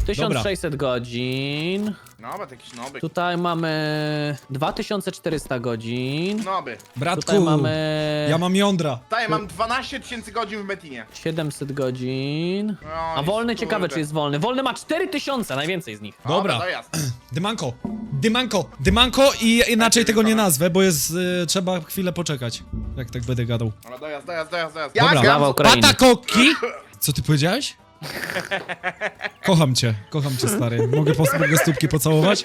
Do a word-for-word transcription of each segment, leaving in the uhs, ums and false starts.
tysiąc sześćset godzin. Noby, jakiś noby. Tutaj mamy dwa tysiące czterysta godzin. Noby. Bratku, Tutaj mamy ja mam jądra. Tutaj mam dwanaście tysięcy godzin w Metinie. siedemset godzin. No A i wolny kurde. ciekawe, czy jest wolny. Wolny ma cztery tysiące, najwięcej z nich. Dobra. To jest. Dymanko, dymanko, dymanko i inaczej tego nie nazwę, bo jest, y, trzeba chwilę poczekać, jak tak będę gadał. Ale dojazd, dojazd, dojazd, dojazd. Dobra. Ja Brawo, gram... Ukraina. Patakoki! Co ty powiedziałeś? Kocham cię, kocham cię, stary. Mogę, po, mogę stópki pocałować?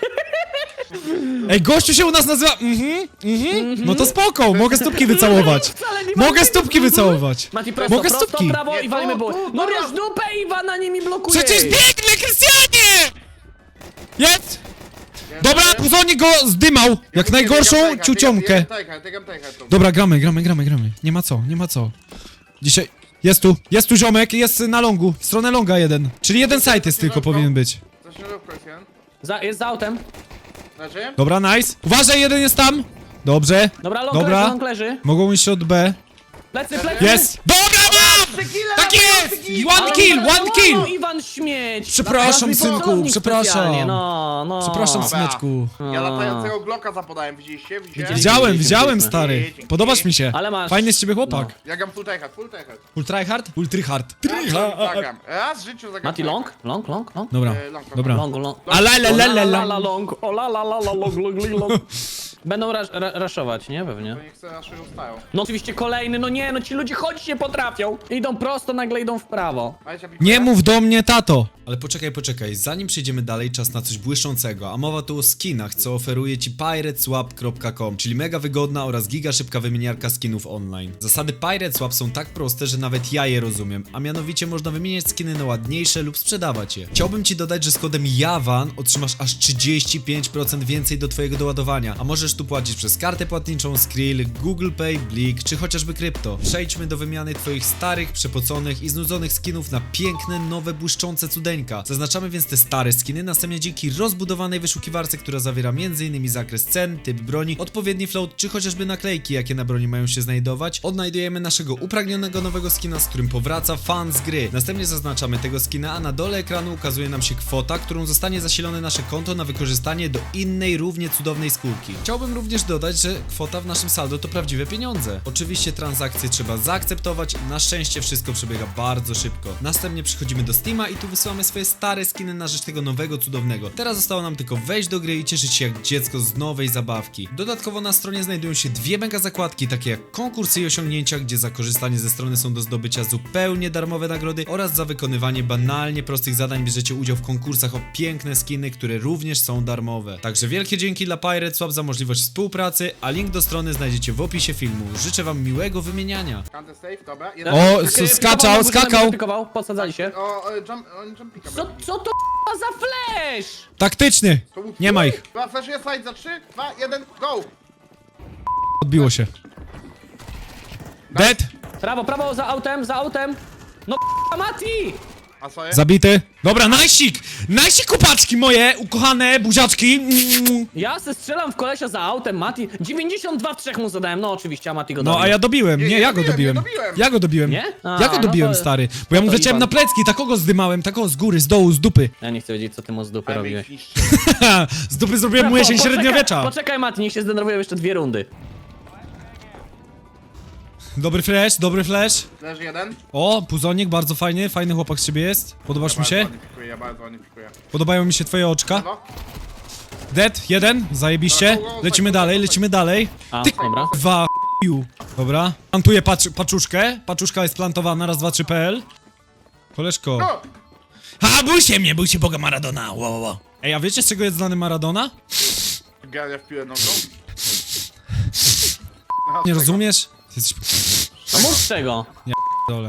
Ej, gościu się u nas nazywa... Mhm, mhm. No to spoko, mogę stópki wycałować. Wcale nie ma- Mogę stópki wycałować. Mati, prosto, Mogę prosto, stópki. prawo Nie, i walimy tu, było. tu, No dobra. wiesz, dupę Iwana nimi blokuje. Przecież biegnę, Krystianie! Jest! Dobra, Puzonik go zdymał, jak najgorszą ciuciomkę. Dobra, gramy, gramy, gramy, gramy. Nie ma co, nie ma co. Dzisiaj... Jest tu, jest tu ziomek, jest na longu, w stronę longa jeden. Czyli jeden site jest tylko powinien być. Za, jest za autem. Znaczy? Dobra, nice. Uważaj, jeden jest tam. Dobrze. Dobra, long Dobra. leży, long leży. Mogą iść od B. Plecy, plecy. Jest! Dobra, mam! Tak jest! One kill, one kill! No, Iwan śmieć. Przepraszam, Raz mi synku, celownik przepraszam. specjalnie, No, no. Przepraszam, Dobra. syneczku. Ja latającego Glocka zapodałem, widzieliście? Widzicie? Widziałem, widziałem, Widzieliśmy. stary. Podobasz mi się. Ale masz- Fajny z ciebie chłopak. Ja gram full tryhard, full tryhard. Full tryhard? Full tryhard. Zagram. Raz w życiu zagram. Mati, long? Long, long, long? Dobra, E, long, long, dobra. Long, long. A la la la la la la. long, o la la la la long, long, long, long. Będą rasz, ra, raszować, nie? Pewnie. To nie chcę naszego stają. No oczywiście kolejny, no nie, no ci ludzie chodzić nie potrafią. Idą prosto, nagle idą w prawo. Nie mów do mnie, tato! Ale poczekaj, poczekaj, zanim przejdziemy dalej, czas na coś błyszczącego, a mowa tu o skinach, co oferuje ci pirateswap kropka com, czyli mega wygodna oraz giga szybka wymieniarka skinów online. Zasady Pirateswap są tak proste, że nawet ja je rozumiem, a mianowicie można wymieniać skiny na ładniejsze lub sprzedawać je. Chciałbym ci dodać, że z kodem JAWAN otrzymasz aż trzydzieści pięć procent więcej do twojego doładowania, a możesz tu płacić przez kartę płatniczą, Skrill, Google Pay, Blik, czy chociażby krypto. Przejdźmy do wymiany twoich starych, przepoconych i znudzonych skinów na piękne, nowe, błyszczące cudeńka. Zaznaczamy więc te stare skiny, następnie dzięki rozbudowanej wyszukiwarce, która zawiera między innymi zakres cen, typ broni, odpowiedni float, czy chociażby naklejki, jakie na broni mają się znajdować, odnajdujemy naszego upragnionego nowego skina, z którym powraca fan z gry. Następnie zaznaczamy tego skina, a na dole ekranu ukazuje nam się kwota, którą zostanie zasilone nasze konto na wykorzystanie do innej, równie cudownej skórki. Chciałbym również dodać, że kwota w naszym saldo to prawdziwe pieniądze. Oczywiście transakcje trzeba zaakceptować, na szczęście wszystko przebiega bardzo szybko. Następnie przychodzimy do Steama i tu wysyłamy swoje stare skiny na rzecz tego nowego, cudownego. Teraz zostało nam tylko wejść do gry i cieszyć się jak dziecko z nowej zabawki. Dodatkowo na stronie znajdują się dwie mega zakładki, takie jak konkursy i osiągnięcia, gdzie za korzystanie ze strony są do zdobycia zupełnie darmowe nagrody oraz za wykonywanie banalnie prostych zadań bierzecie udział w konkursach o piękne skiny, które również są darmowe. Także wielkie dzięki dla Pirateswap za możliwość współpracy, a link do strony znajdziecie w opisie filmu. Życzę wam miłego wymieniania. Counter safe, dobra. O, Jeden. s- skakał, skakał. Pikował, podsadzali się. O, e, jump, on jump pika. Co, co to k***a za flash? Taktyczny! To był Nie ma ich. Dobra, flashuję slide za trzy, dwa, jeden, go! Odbiło się. Dead! Prawo, prawo, za autem, za autem. No k***a Mati! A co jest? Zabity. Dobra, najsik! Najsik kupaczki moje, ukochane buziaczki. Mm. Ja se strzelam w kolesia za autem, Mati. dziewięćdziesiąt dwa w trzech mu zadałem, no oczywiście, a Mati go No dobił. a ja dobiłem, nie, Nie, ja go dobiłem, dobiłem. nie dobiłem. Ja go dobiłem. Nie? A, Ja go no dobiłem, to- stary. Bo ja mu to wleciałem na Iwan. plecki, takogo zdymałem, takogo z góry, z dołu, z dupy. Ja nie chcę wiedzieć, co ty mu z dupy Ale robiłeś. ich niszczy. Z dupy zrobiłem mu jesień Po- poczekaj- średniowiecza. Poczekaj, Mati, niech się zdenerwują jeszcze dwie rundy. Dobry flash, dobry flash. Leży jeden. O, puzonik, bardzo fajny, fajny chłopak z ciebie jest. Podobasz Ja mi się? bardzo ładnie pikuję, ja bardzo ładnie pikuję. Podobają mi się twoje oczka. No. Dead, jeden, zajebiście. Dobra, go, go, Lecimy go, go, dalej, go, go. lecimy dalej. A, Ty dobra. Dwa ch**ju. Dobra. Plantuję pacz paczuszkę. Paczuszka jest plantowana, raz, dwa, trzy, pe el. Koleżko. No! Ha, bój się mnie, bój się Boga Maradona. Wow, wow, wow. Ej, a wiecie z czego jest znany Maradona? Grania w piłę nogą. Nie rozumiesz? Jesteś A mów z czego? dole.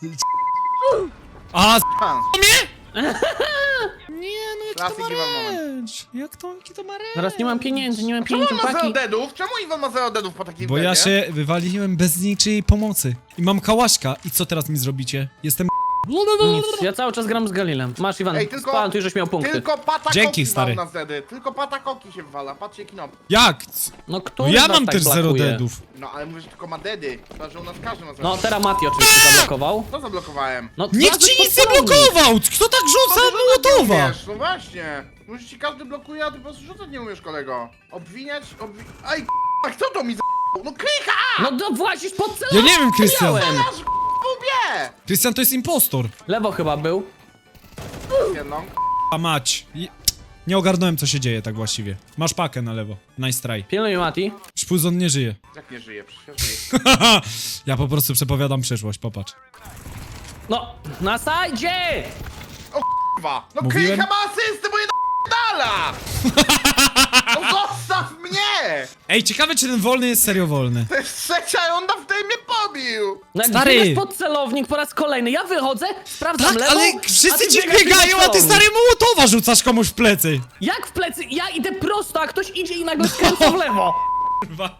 A, z... Pan. mnie? Nie, no jaki to Klasyk ma Iwan moment. ręcz? Jak to, jaki to ma ręcz? Zaraz nie mam pieniędzy, nie mam Czemu pieniędzy, on ma zero paki. deadów? Czemu Iwan ma zero deadów po takim Bo ja deadzie? się wywaliłem bez niczyjej pomocy. I mam kałaszka. I co teraz mi zrobicie? Jestem Nic, ja cały czas gram z Galilem. Masz, Iwan, Ej, tylko... spaltuj, żeś miał punkty. Tylko pata Dzięki, koki stary. mam na zedy. Tylko pata koki się wywala. Patrzcie knop. Jak? No, No który ja z was mam tak też zero blokuje? deadów. No ale mówisz, że tylko ma dedy. Chyba, że u nas każdy ma zedy. No, teraz Mati oczywiście zablokował. Co zablokowałem? No, Nikt wlazłeś ci pod nic nie celownik. blokował! Kto tak rzuca No, Mołotowa? Wiesz, no właśnie. Może ci każdy blokuje, a ty po prostu rzucać nie umiesz, kolego. Obwiniać, obwi... Aj, k***a, kto to mi za***ł? No krycha! No, to włazisz pod celownik. Ja nie wiem, Krystian. Miałem. Aż k***ubie! Krystian to jest impostor. Lewo chyba był. Jedną. A mać. I- Nie ogarnąłem co się dzieje tak właściwie. Masz pakę na lewo. Nice try. Pilnuj, Mati. Szpuzon nie żyje. Jak nie żyje? Przecież żyje. Ja po prostu przepowiadam przyszłość, popatrz. No, na sajdzie! Kurwa! No Mówiłem? krycha ma asystę, bo je dala! No zostaw mnie! Ej, ciekawe czy ten wolny jest serio wolny. To jest trzecia i on na w tej mnie pobił! No, jak Stary! biegasz pod celownik po raz kolejny, ja wychodzę, sprawdzam Tak, lewą, ale a wszyscy ty ci biegasz biegają, pod a ty celownik. stary Mołotowa rzucasz komuś w plecy. Jak w plecy? Ja idę prosto, a ktoś idzie i nagle skręca w lewo. Kurwa.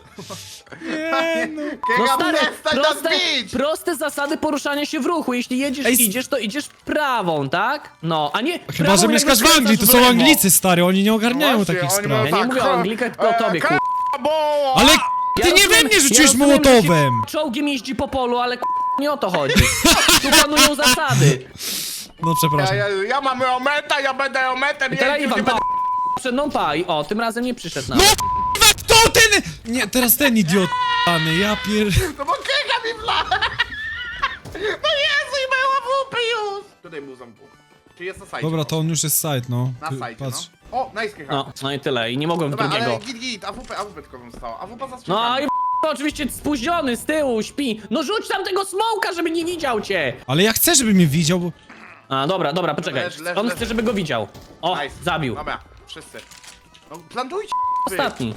No Krycha, stary, przestań nas proste, bić! proste zasady poruszania się w ruchu. Jeśli jedziesz, Ej, s- idziesz, to idziesz prawą, tak? No, a nie Chyba, prawą, że jak mieszkasz w skręcasz Anglii, to w są lewo. Anglicy stary, oni nie ogarniają Właśnie, takich oni spraw. mają Ja nie tak, mówię o k- Anglikach, tylko o e, tobie, k- kur... bo- Ale Ja ty nie we rozumiem- mnie ja rzuciłeś rozumiem, że się Mołotowem. Czołgiem jeździ po polu, ale k- nie o to chodzi. Tu panują zasady. No Ja, przepraszam. ja, ja mam ometa, ja będę ometem, I teraz jeździł, nie Iwan, pa, będę... przed mną paj. O, tym razem nie przyszedł na No k***wa, kto ten? Nie, teraz ten idiot. Pany, ja pier... No bo krycha mi wla! No Jezu, i mają awupy już! Tutaj był zamku. Czy jest na sajcie? Dobra, to on już jest side, no. Na Ty- sajcie, Patrz. no. O, nice krycha. No, no i tyle. I nie mogłem w Dobra, drugiego. ale git, git, awupę, awupę tylko bym stała. Awupa za No strzykami. i oczywiście spóźniony z tyłu, śpi. No rzuć tam tego smoka, żeby nie widział cię. Ale ja chcę, żeby mnie widział, bo... A, dobra, dobra, poczekaj. Leż, leż, On leż. chce, żeby go widział. O, Nice. zabił. Dobra, wszyscy. No, plantujcie, wy. Ostatni.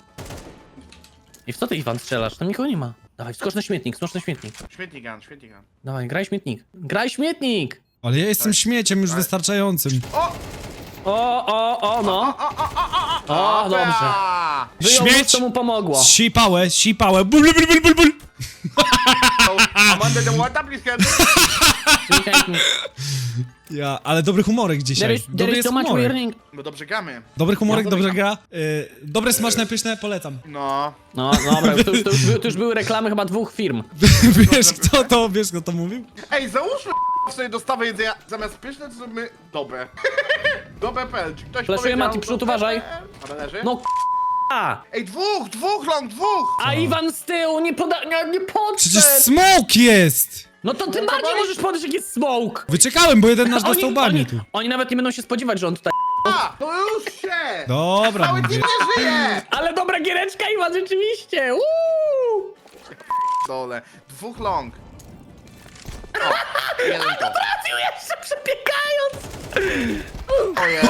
I w co ty, Iwan, strzelasz? Tam nikogo nie ma. Dawaj, skocz na śmietnik, skocz na śmietnik. Śmietnik gun, śmietnik gun. Dawaj, graj śmietnik. Graj śmietnik! Ale ja jestem śmieciem już wystarczającym. O! O, o, o, no. O, o, o, o, o, O, dobrze. dobra. Wyjął Śmieć! luz, to mu pomogło. Sipałę, sipałę, bul, bul, bul, bul, bul. So, I'm under the water, please help me. Ja, ale dobry humorek dzisiaj. There is, there Dobry is jest so much humorek. learning. No dobrze gramy. Dobry humorek, Ja dobrze dobry gra. Y, dobre, smaczne, pyszne, polecam. No. No, dobra, to już, to, już, były- to już były reklamy chyba dwóch firm. Wiesz kto to, wiesz kto to mówił? Ej, załóżmy sobie dostawę jedzenia zamiast pyszne, to zrobimy dobę. Dobę kropka p l. Czy ktoś Flaszuję, powiedział Mati, przód, dobę uważaj. kropka p l? Ale leży? No k***a! Ej, dwóch, dwóch long, dwóch! A Iwan z tyłu nie poda... nie, nie Przecież podszedł! smoke jest! No to tym No to bardziej boli. możesz podejść, jak jest smoke! Wyczekałem, bo jeden nasz Oni, dostał banie oni, tu. oni nawet nie będą się spodziewać, że on tutaj... A, to już się! Dobra, Cały mówię. team nie żyje! Ale dobra giereczka, Iwan, rzeczywiście! Uuu! Dole, dwóch long. O, jeden to. Trafił jeszcze przebiegając! O Jezu.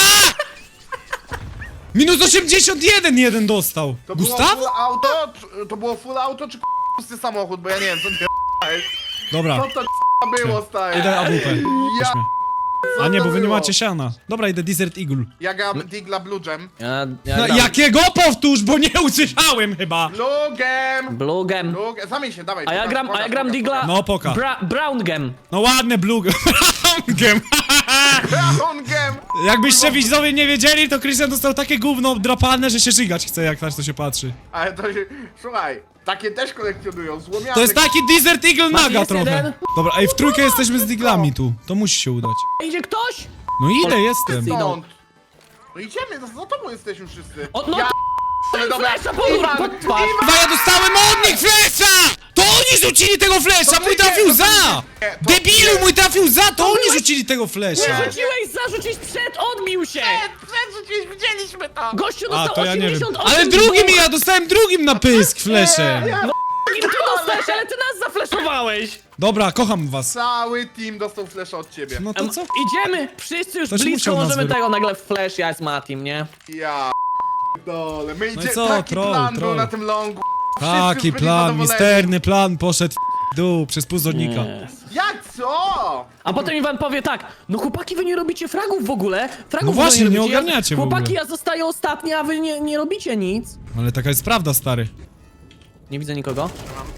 Minus osiemdziesiąt jeden jeden dostał. To było Gustaw? full auto? Czy- To było full auto, czy pusty samochód? Bo ja nie wiem, co ty Dobra, Co to było, stary? idę A W P. Ja, Weźmy. co A nie, to bo wy nie było? macie siana. Dobra, idę Desert Eagle. Ja gram Digla Blue Gem. Ja, ja No, gram jakiego powtórz, bo nie usłyszałem chyba. Blue Gem! Blue Gem. Blue Gem. Zamień się, dawaj. A ja pokaż, gram, a ja pokaż, gram pokaż, Digla... No, poka. Bra Brown Gem. No ładne blue gem. pokaż. Brown Gem! Jakbyście widzowie nie wiedzieli, to Christian dostał takie gówno drapane, że się żygać chce, jak tak to się patrzy. Ale to się... Słuchaj, takie też kolekcjonują, złomiane. To jest taki Desert Eagle Masz naga jest trochę. jeden? Dobra, ej, w trójkę jesteśmy z diglami tu. To musi się udać. Idzie ktoś? No ile jestem? idą. Stąd. No idziemy, za, za tobą jesteśmy wszyscy. O, no ja... to... Ale dobra, Flesza pod, Iwan, pod twarz. Chyba ja dostałem od nich flesza! To oni rzucili tego flesza, To mój ty trafił nie, to ty za! nie, to Debilu, nie. mój trafił za, to oni rzucili tego flesza! Nie rzuciłeś, zarzuciłeś przed, odbił się! Przed, widzieliśmy to! Gościu A, dostał to ja nie wiem. osiemdziesiąt osiem Ale drugim dwóch. ja dostałem drugim na pysk fleszem! Ja, Drugim ty dostałeś, ale ty nas zafleszowałeś! Dobra, kocham was. Cały team dostał flasha od ciebie. No to Em, co? Idziemy, wszyscy już To się blisko musiał nas możemy wyro- tego, nagle flash, ja z Matim, nie? Ja... Dole, my No i idzie, co, taki troll, plan był troll. na tym longu. Wszyscy Taki byli plan, zadowoleni. misterny plan poszedł w dół przez puzornika. Nie. Jak co? A potem Iwan powie tak, no chłopaki wy nie robicie fragów w ogóle, fragów No w ogóle właśnie, nie robicie. ogarniacie w Chłopaki, ogóle. ja zostaję ostatni, a wy nie, nie robicie nic. Ale taka jest prawda, stary. Nie widzę nikogo.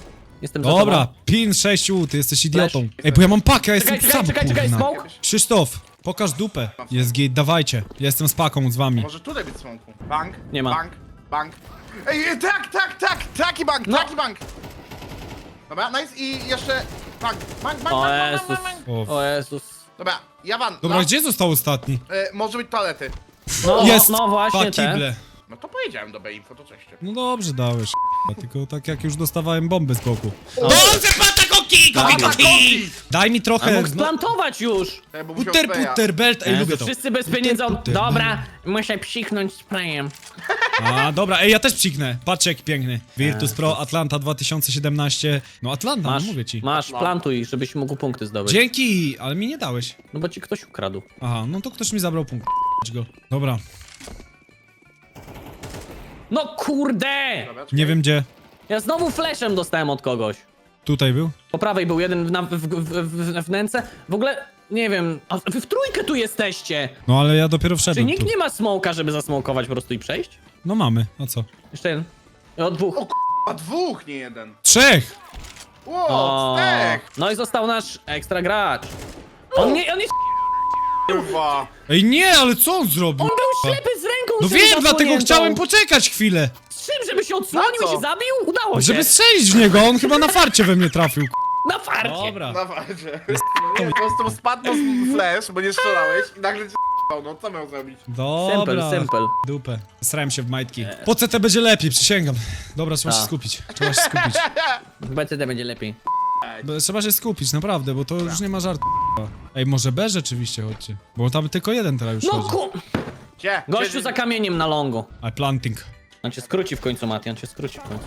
Jestem za Dobra, tobą. pin sześciu, ty jesteś idiotą. Flash. Ej, bo ja mam pakę, ja jestem Czekaj, sam, czekaj, czekaj, czekaj, kurna. smoke. Krzysztof, pokaż dupę. Jest git, dawajcie. Ja jestem z paką, z wami. Może tutaj być smoku. Bank. Nie ma. Bank. Bank. Ej, ej, tak, tak, tak! Taki bank, No. taki bank! Dobra, nice i jeszcze... Bank, bank, bank, O bank, bank, Jezus. bank, bank. O, O Jezus. Dobra, ja van. Dobra, no. gdzie został ostatni? E, może być toalety. No, Jest! no właśnie Dwa te. kible. No to powiedziałem do B-info, to cześć. No dobrze dałeś, tylko tak jak już dostawałem bomby z boku. O. Dobrze, patakoki, koki, koki! Daj mi A trochę... mógł splantować już! E, bo musiał Butter, spraya. butter, belt, ej, Jezu, lubię to. wszyscy bez Butter, pieniędzy. butter, Dobra, muszę psiknąć sprayem. A, dobra, ej, ja też psiknę. Patrzcie, jaki piękny. Virtus Pro Atlanta dwa tysiące siedemnaście. No Atlanta, Masz, no mówię ci. masz, plantuj, żebyś mógł punkty zdobyć. Dzięki, ale mi nie dałeś. No bo ci ktoś ukradł. Aha, no to ktoś mi zabrał punkt. Go. Dobra, No kurde! Dobra, czekaj. nie wiem gdzie. Ja znowu flashem dostałem od kogoś. Tutaj był? Po prawej był jeden w, na- w, w, w, w wnęce. W ogóle, nie wiem, a wy w trójkę tu jesteście! No ale ja dopiero Czy wszedłem nikt tu. nie ma smoka, żeby zasmokować po prostu i przejść? No mamy, a co? Jeszcze jeden. O, dwóch. O A dwóch, nie jeden. Trzech! Ło, O, czterech! no i został nasz ekstra gracz. On nie, on jest... Kurwa. Ej nie, ale co on zrobił? On był ślepy z ręką No czymś wiem, dlatego zasłoniętą. chciałem poczekać chwilę. Z czym, żeby się odsłonił Na i co? się zabił? Udało się. Żeby strzelić w niego, on chyba na farcie we mnie trafił. Na farcie. Dobra. Na walce. No nie, po prostu spadł z flash, bo nie strzelałeś i nagle cię no co miał zrobić? Dobra. Simple, simple. Dupę. Srałem się w majtki. Po C T będzie lepiej, przysięgam. Dobra, trzeba się Tak. skupić. Trzeba się skupić. W B C D będzie lepiej. Bo trzeba się skupić, naprawdę, bo to już nie ma żartu. Ej, może B rzeczywiście chodźcie. Bo tam tylko jeden teraz już No chodzi. ku... Gdzie? Gościu Gdzie- za kamieniem na longu. I planting. On cię skróci w końcu, Mati, on cię skróci w końcu.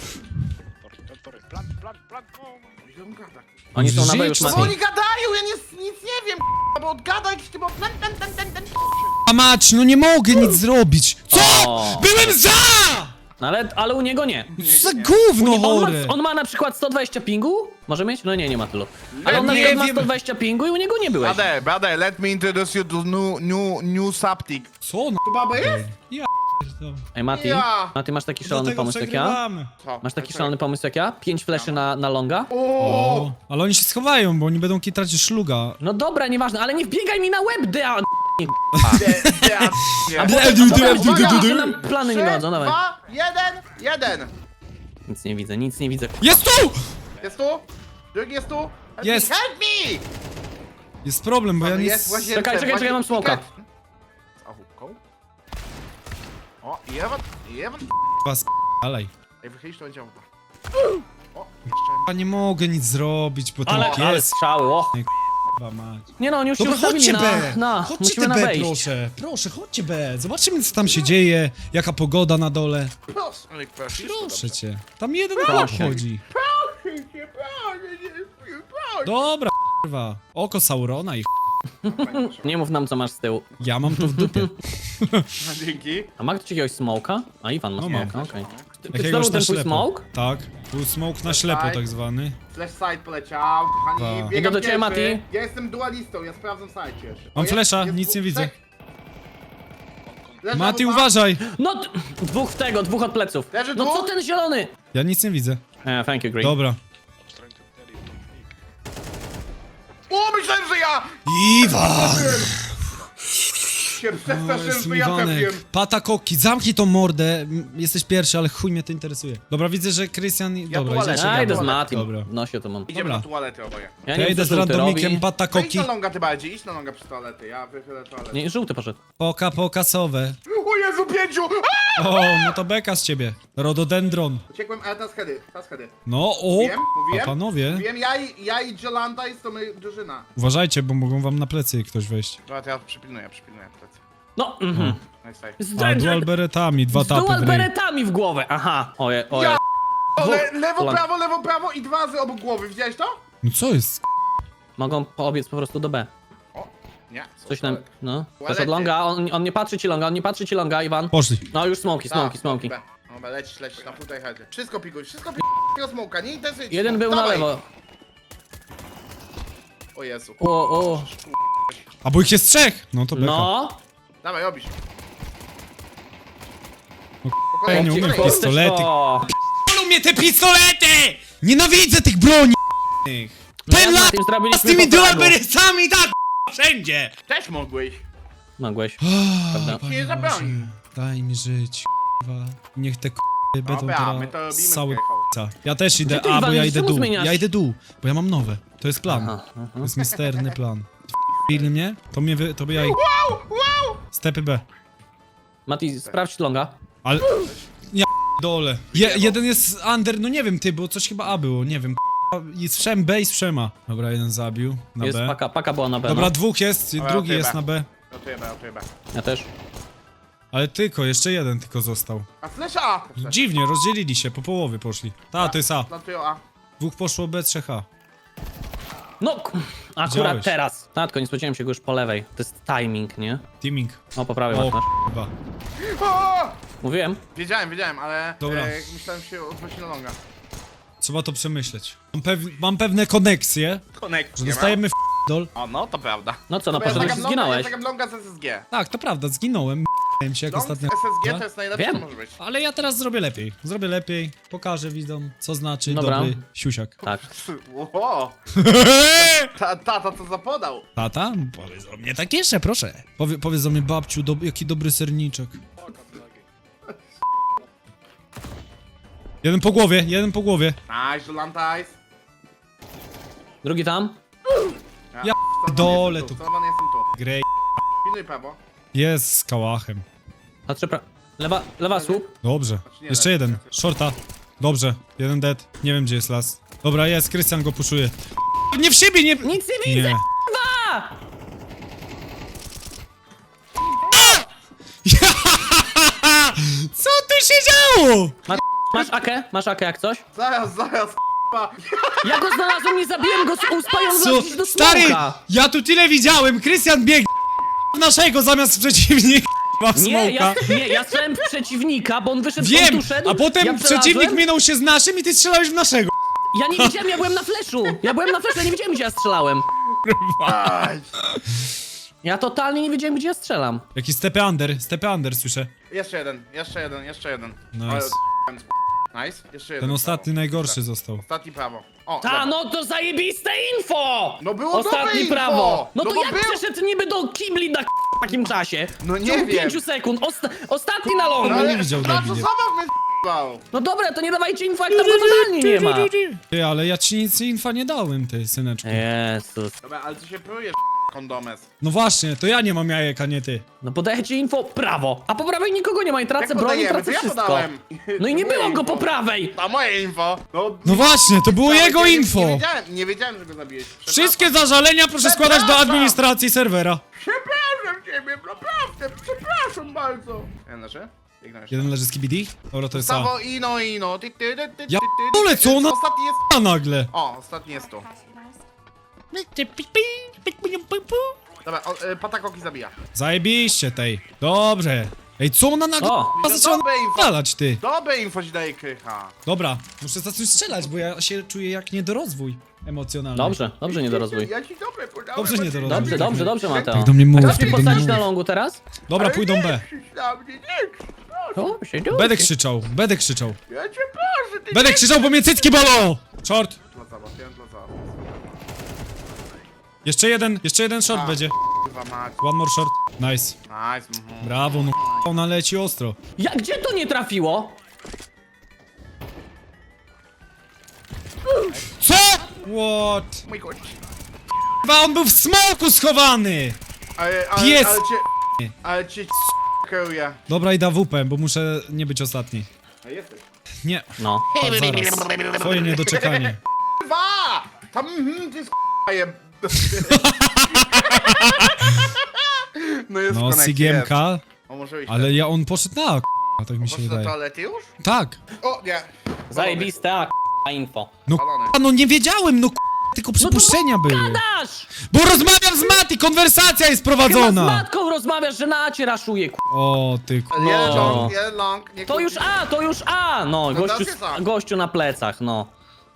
Oni są na B już, Żyć, No Mati. oni gadają, ja nic, nic nie wiem, bo odgada jakiś typ ten, ten, ten, ten, ten. A mać, no nie mogę nic zrobić. Co? O. Byłem za! No ale, ale u niego nie. Co za gówno On ma, chore. on ma na przykład sto dwadzieścia pingu? Może mieć? No nie, nie ma tylu. Ale on na nie przykład ma wiem. sto dwadzieścia pingu i u niego nie byłeś. Brother, brother, let me introduce you to new, new, new subtic. Co no? Tu baba jest? Ja p***dolę. Ej, Mati, Ja. Mati, masz taki szalony Dlatego pomysł jak ja? przegrywamy. Co? Masz taki szalony pomysł jak ja? Pięć fleszy na, na longa? O! O, ale oni się schowają, bo oni będą kitrać szluga. No dobra, nieważne, ale nie wbiegaj mi na łeb, dea! De- de- A de- potem, du- du- potem, du- du- uwaga, du- że nam plany nie Trzy, godzą, dawaj. dwa, jeden, jeden. Nic nie widzę, nic nie widzę. Jest tu! Jest tu? Drugi jest tu? Help Jest. Me, help me! Jest problem, bo ja Jest nic... w łazience, Czekaj, czekaj, w czekaj, mam łazience. smoka. Z ahubką? O, i Ewan, i Ewan. Was dalej. Ej, wychylisz to będzie ahuba. O, jeszcze. Ja nie mogę nic zrobić, bo ten Ale, ale pies... strzały, och. Chyba mać. Nie no, oni już się Dobra, ustawili chodźcie na... B! na Chodźcie musimy te na B, wejść. proszę. Proszę, chodźcie B. Zobaczymy, co tam się dzieje. Jaka pogoda na dole. Proszę. Ale prosisz, to Proszę dobrze. cię. Tam jeden Proszę. chłop chodzi. Proszę cię, proszę cię, proszę. Dobra, kurwa. Oko Saurona i Nie mów nam, co masz z tyłu. ja mam to w dupie. Dzięki. A ma ktoś jakiegoś smoka? A Iwan ma No smoka, mam. okej. Ty- Ty Jakiegoś znowu na ten twój ślepo. smoke? Tak. Był smoke na ślepo tak zwany. Flash side poleciał, kochani, Dwa. biegam Idę do ciebie, pierwszy. Mati. Ja jestem dualistą, ja sprawdzam side jeszcze. Mam O, jest- flasha, jest nic dwóch- nie widzę. trzech. Leży Mati, ahuba. uważaj! No, d- dwóch w tego, dwóch od pleców. Leży No dwóch? co ten zielony? Ja nic nie widzę. E, thank you, Green. Dobra. O, myślałem, że ja! Iwan! Się To przestraszyłem, jest że ja trafiłem. Iwanek. Patakoki, zamknij tą mordę. M, Jesteś pierwszy, ale chuj mnie to interesuje. Dobra, widzę, że Krystian... Dobra, tualetę. idziecie. Ja idę z Dobra. Matim. Dobra. No się to mam. Idziemy Dobra. na tualetę oboje. Ja Ja nie wiem, idę co z żółty randomikiem robi. No idź patakoki. na longa ty bardziej, idź na longa przy toalety, ja wychylę toaletę. Nie, żółty poszedł. Poka pokasowe. O Jezu, pięciu! A! O, no to beka z ciebie. Rododendron. Uciekłem, ale teraz hedy, teraz hedy. No, o! Mówiłem, mówiłem. A panowie, Wiem, ja i, ja i Jolanta jest to my drużyna. uważajcie, bo mogą wam na plecy ktoś wejść. Dobra, to ja przypilnuję, przypilnuję plecy. No, mhm. Nice Z, A, dual beretami, dwa z tapy dual w ryj. beretami w głowę, aha. Oje, oje. Ja- O, le, Dwóch- lewo, Polan- prawo, lewo, prawo i dwa razy obok głowy, widziałeś to? No co jest? Mogą poobiec po prostu do B. O, nie. Coś nam, no. Też Toalety. od longa, on, on nie patrzy ci longa, on nie patrzy ci longa, Iwan. Poszli. No już smoki, smoki, smoki. Dobra, dobra, lecisz, lecisz, na tutaj headzie. Wszystko pikuj, wszystko pikuj, tego smoka, nie interesuje cię. Jeden był na Dawaj. lewo. O Jezu. O, o. A bo ich jest trzech! No to beka. No. Dawaj, robisz. No, Po ja kolei, nie po umiem kolei. pistolety. O. Bolą mnie te pistolety! Nienawidzę tych broni! No ja Ten z lat Matim z zrobiliśmy tymi po fragu. dualberysami tak wszędzie! Też mogłeś. Mogłeś. Prawda? Ci nie zabroni. Daj mi żyć, k***wa. Niech te k***y będą Dobra, my to teraz robimy cały Krychał. Ja też idę, ty, a bo Iwan, ja idę czemu dół. zmieniasz? Ja idę dół, bo ja mam nowe. To jest plan. Aha, aha. To jest misterny plan. Pilny mnie? To mnie wy, to by ja i... Wow, wow! Stepy B. Mati, sprawdź longa. Ale... Ja dole. Je, jeden jest under, no nie wiem ty, bo coś chyba A było, nie wiem. I strzem B i strzema. Dobra, jeden zabił. Na Jest B. paka, paka była na B. Dobra, No. dwóch jest, Dobra, drugi okej, jest B. na B. Rotuję B, rotuję B. Ja też. Ale tylko, jeszcze jeden tylko został. A flash A! Flash. Dziwnie, rozdzielili się, po połowie poszli. Ta, to jest A. Rotuję A. Dwóch poszło B, trzech A. No, k- akurat Widziałeś. teraz. Tatko, nie spodziewałem się go już po lewej. To jest timing, nie? Teaming. O, po prawej O, masz. chyba. O! Mówiłem? Wiedziałem, wiedziałem, ale Dobra. e, myślałem się odwrócić na longa. Trzeba to przemyśleć. Mam, pew mam pewne koneksje, Connect. że nie ma. dostajemy w dol. O, no to prawda. No co, no Bo ja poszedłeś i zagram longa, ja zginąłeś. zagram longa z S S G. Tak, to prawda, zginąłem. M się jak Long z ostatnio. S S G to jest najlepsze, Wiem. co może być. Ale ja teraz zrobię lepiej. Zrobię lepiej, pokażę widzom, co znaczy Dobra. dobry siusiak. Tak. Ło! Ta, tata co zapodał? Tata? Powiedz o mnie tak jeszcze, proszę. Powie, powiedz o mnie, babciu, do, jaki dobry serniczek. Jeden po głowie, jeden po głowie. Nice, Jolantais. Drugi tam? Ja Salwan dole jestem tu. tu. Salwan jestem tu. Grej. Pilnuj prawo. Jest z kałachem. Patrzę pra... Lewa, lewa słup. Dobrze. nie Jeszcze da. jeden. Shorta. Dobrze. Jeden dead. Nie wiem gdzie jest las. Dobra, jest. Krystian go puszuje. Nie w siebie, nie... Nic nie widzę! Nie. Dwa! Co tu się działo? Masz, masz akę? Masz akę jak coś? Zaraz, zaraz, k***a. Ja go znalazłem, nie zabiłem go z uspa i on Co? wlazł do Stary, smoka. ja tu tyle widziałem. Krystian biegł w naszego zamiast w przeciwnika. W Nie, ja, smoka. nie, ja strzelałem w przeciwnika, bo on wyszedł, Wiem, on tu szedł, a potem ja przeciwnik przelazłem. minął się z naszym i ty strzelałeś w naszego. Ja nie widziałem, ja byłem na fleszu. Ja byłem na fleszu, ja nie wiedziałem, gdzie ja strzelałem. Aj. Ja totalnie nie wiedziałem, gdzie ja strzelam. Jaki stepy under, stepy under słyszę. Jeszcze jeden, jeszcze jeden, jeszcze jeden. Nice. Ale Nice, jeszcze jeden. Ten ostatni prawo. najgorszy Tak. został. Ostatni prawo. O, Ta, lewo. no to zajebiste info! No było dobre Ostatni info! prawo. No, No to bo jak był- przeszedł niby do kibli na k- takim czasie? No W nie ciągu wiem. pięciu sekund. Osta ostatni na longu. No ale nie widział na co debilie. zabaw mnie s***ał? No dobra, to nie dawajcie info, jak tam go totalnie nie ma. Ty, ale ja ci nic infa nie dałem, ty syneczku. Jezus. Dobra, ale ty się prójesz, kondomes. No właśnie, to ja nie mam jajek, a nie ty. No podajecie info prawo, a po prawej nikogo nie ma i tracę Jak broń i podajemy? To tracę ja wszystko. podałem. No i nie To moje było go info. po prawej. To moje info. No, No właśnie, to było ale jego nie, info. Nie wiedziałem, nie wiedziałem, że go zabiłeś. Przepraszam. Wszystkie zażalenia proszę składać do Przepraszam. administracji serwera. Przepraszam ciebie, naprawdę, przepraszam bardzo. Ja leży? Ignorujesz. Jeden leży z K B D? Dobra, to jest A. Stawo, ino, ino. Ty, ty, ty, ty, Ja ty, ty, p***dolę, ty, co ona- Ostatni jest... A nagle. O, ostatni jest tu. Dobra, o, y, patakoki zabija. Zajebiście tej. Dobrze. Ej, co ona nagle O. k***a zaczęła Dobre info. napalać, ty? Dobre info ci daje krycha. Dobra, muszę zacząć strzelać, bo ja się czuję jak niedorozwój emocjonalny. Dobrze, dobrze nie dorozwój. Ja ci dobre podałem. Dobrze, nie bo- dorozwój. Dobrze, dobrze, dobrze Mateo. Tak do mnie mów, Chcesz mnie tak do mnie postawić mów. na longu teraz? Dobra, Ale pójdą nie B. krzycz na mnie, nie krzycz, proszę. O, się dzieje. Będę krzyczał, będę krzyczał. Ja cię proszę, ty Będę nie- krzyczał, bo mnie cycki bolą! Short. Dla zabaw, ja dla zabaw. Jeszcze jeden, jeszcze jeden short A. będzie. Kurwa mać. One more short. Nice. Nice, mhm. Brawo, no k***a, ona leci ostro. Ja, gdzie to nie trafiło? Co? What? Mój kość. Chyba on był w smoku schowany! Ale, ale, Pies. ale cię... Ale cię kieruje. Dobra, idę W P, bo muszę nie być ostatni. A jesteś. Nie, No. patrz zaraz. Twoje niedoczekanie. Dwa! Tam, mhm, ty jest k***ajem. No jest No, connect, Sigiemka, jest. O, może iść. ale ja, on poszedł na k***a, tak mi się Poszedł do wydaje. toalety już? Tak. O, nie. Zajebiste, a k***a info. No Balony. k***a, no nie wiedziałem, no k***a, tylko przypuszczenia były. Dasz! Bo rozmawiam z Mati, konwersacja jest Chyba z prowadzona. matką rozmawiasz, że na acie raszuje, k***a. O, ty k***a. Jeden No. long, jeden long. Nie To już kłóci. A, to już A! No, No gościu, to jest A. gościu na plecach, no.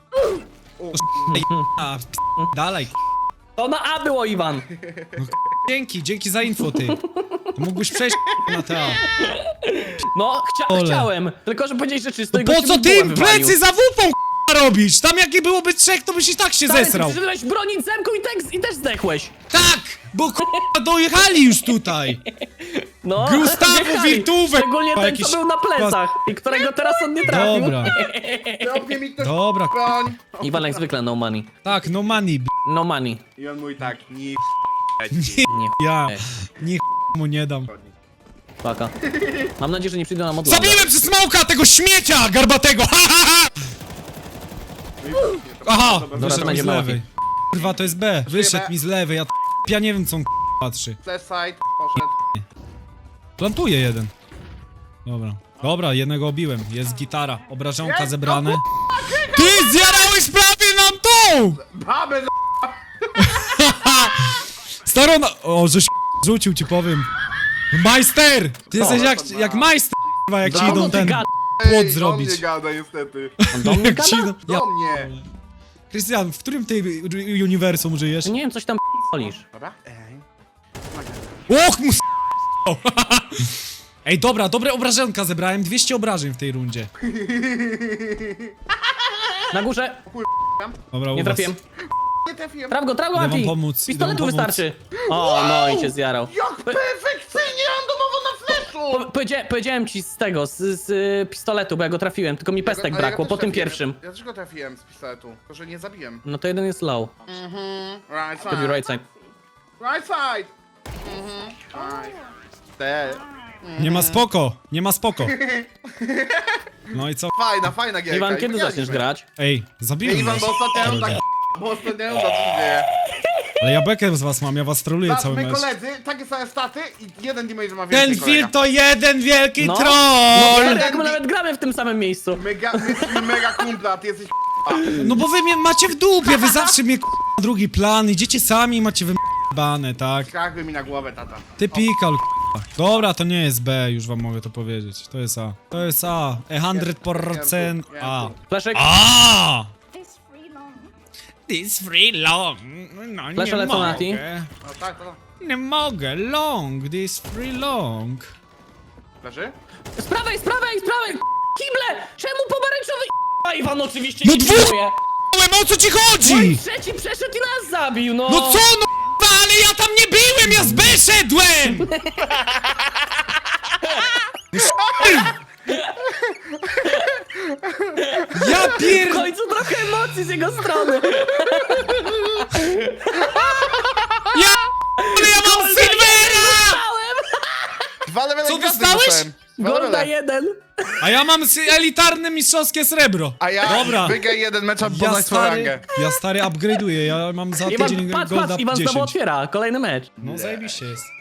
A, p- dalej. k***a. To na A było, Iwan. Dzięki, dzięki za info, ty. Mógłbyś przejść na te A. No, chcia Ole. chciałem. Tylko, że powiedziałeś, że czysto i Po gościu co mi ty bułę im wywalił. plecy za wupą k***a, robić? Tam jakie byłoby trzech, to byś i tak się Stary, ty zesrał. przyszedłeś bronić zemką i, tak, i też zdechłeś. Tak, bo k***a dojechali już tutaj. No, Gustawo wjechali. Wirtuwe, Szczególnie k***a, ten, jakiś co był na plecach i którego teraz on nie trafił. Dobra, Zrobię mi ktoś dobra. broń. Iwan jak zwykle no money. Tak, no money, b***. No money. I on mówi tak, nie Nie Ja, Ej. nie mu nie dam. Paka. Mam nadzieję, że nie przyjdą nam od ląda. Zabiłem przez smoka tego śmiecia garbatego! Ha, ha, ha! Aha, Dobra, wyszedł to mi będzie z mało. lewej. Kurwa, to jest B. Wyszedł B. mi z lewej, ja t- ja nie wiem co on k- patrzy. Flash side, poszedł. Plantuje jeden. Dobra. Dobra, jednego obiłem. Jest gitara. Obrażonka Jest, zebrane. no Ty zjarałeś prawie nam tą! Babę za... Starona... O, żeś rzucił ci powiem. Majster! Ty jesteś jak, to ma. jak majster, k***a, jak ci Za idą ty ten gada? płot Ej, zrobić. do mnie gada niestety. On do mnie Jak ci gada? idą... Ja... Do mnie. Krystian, w którym tej uniwersum żyjesz? Nie wiem, coś tam p***olisz. Dobra? Ej. Och, mu s***ał. Ej, dobra, dobre obrażenka zebrałem. dwieście obrażeń w tej rundzie. Na górze. Dobra, u Nie was. trafiłem. Nie trafiłem. Traf go, traf go, Idę wam Anti. pomóc, idę Pistoletu wam pomóc. wystarczy. O, no i cię zjarał. Jak perfekcyjnie randomowo na flashu! Po, powiedzia powiedziałem ci z tego, z, z y, pistoletu, bo ja go trafiłem, tylko mi pestek Ale ja brakło, też po tym trafiłem. pierwszym. Ja też go trafiłem z pistoletu, tylko że nie zabiłem. No to jeden jest low. Mhm. Right To be side. right side. Right side. Mhm. Right. Te. Nie ma spoko, nie ma spoko. No i co? Fajna, fajna gierka. Iwan, i kiedy wygraliśmy. zaczniesz grać? Ej, Nie, zabiłem Iwan, was. bo ostatnio tak... Bo ostatnio za co się dzieje. Ale ja bekę z was mam, ja was troluję Patrz, cały my mecz. koledzy, takie same staty i jeden damage ma więcej Ten kolega. film to jeden wielki No. troll! No, jeden jak my di- nawet gramy w tym samym miejscu. Mega, my jesteśmy mega kumpla, a ty jesteś No bo wy mnie macie w dupie, wy zawsze mnie k***a, drugi plan, idziecie sami i macie wybane, tak? Skakły mi na głowę, tata. Ty pikal, k***a. Dobra, to nie jest B, już wam mogę to powiedzieć. To jest A. To jest A. E sto procent A. Fleszek, A! This free long. This free long. No Flasze nie lecą na ti. mogę. No tak, to Nie mogę, long, this free long. leży? z prawej, z prawej, z prawej! Kible! Czemu pomarańczowy? A Iwan oczywiście No nie dwóch- pilnuje. O co ci No i chodzi? trzeci przeszedł i nas zabił, no! No co no k***a, ale ja tam nie byłem, ja z B szedłem! Ja W pier... końcu trochę emocji z jego strony! Ja... Ale ja mam Silvera! Dostałem! Dwa levele Co gwiazdy dostałeś? dostałem. Dwa Golda levele. jeden! A ja mam sy- elitarne mistrzowskie srebro. A ja Dobra. wygraj jeden mecz, a Ja poznać swoją stary, rangę. ja stary upgrade'uję, ja mam za Iwan, tydzień patrz, golda patrz, Iwan znowu dziesięć. otwiera kolejny mecz. No zajebiście jest.